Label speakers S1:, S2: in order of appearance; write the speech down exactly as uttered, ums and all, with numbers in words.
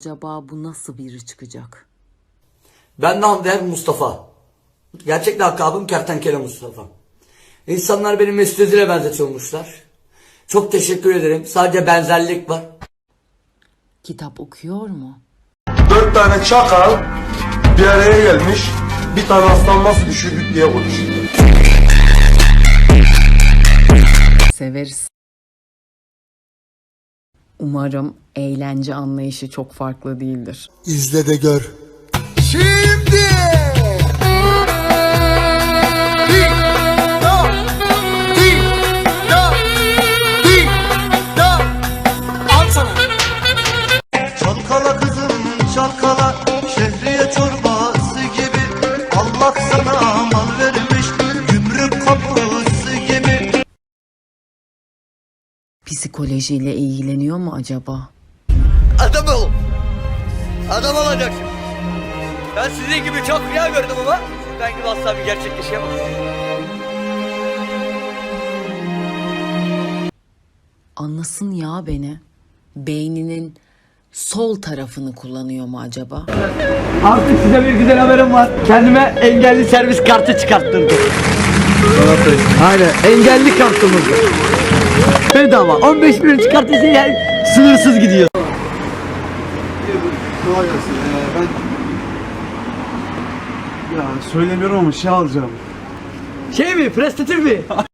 S1: Acaba bu nasıl biri çıkacak?
S2: Ben de Hamdi Mustafa. Gerçek lakabım Kertenkele Mustafa. İnsanlar beni Mesut Özil'e benzetiyormuşlar. Çok teşekkür ederim. Sadece benzerlik var.
S1: Kitap okuyor mu?
S3: Dört tane çakal bir araya gelmiş. Bir tane aslan nasıl düşürdük diye konuşuyor.
S1: Severiz. Umarım eğlence anlayışı çok farklı değildir.
S4: İzle de gör.
S3: Şimdi
S5: Çalkala kızım çalkala, şehriye çorbası gibi. Allah sana mal vermiş, gümrük kapısı gibi.
S1: Psikolojiyle ilgileniyor mu acaba?
S6: Adam ol. Adam olacaksın. Ben sizin gibi çok rüya gördüm ama ben gibi asla bir gerçekleşemez.
S1: Anlasın ya beni. Beyninin sol tarafını kullanıyor mu acaba?
S6: Artık size bir güzel haberim var. Kendime engelli servis kartı çıkarttırdım. Aynen, engelli kartımız. Bedava. on beş bin çıkartırsa yani sınırsız gidiyor.
S3: kolay gelsin. Ee, ben ya söylemiyorum ama şey alacağım.
S6: Şey mi? Prestatif mi?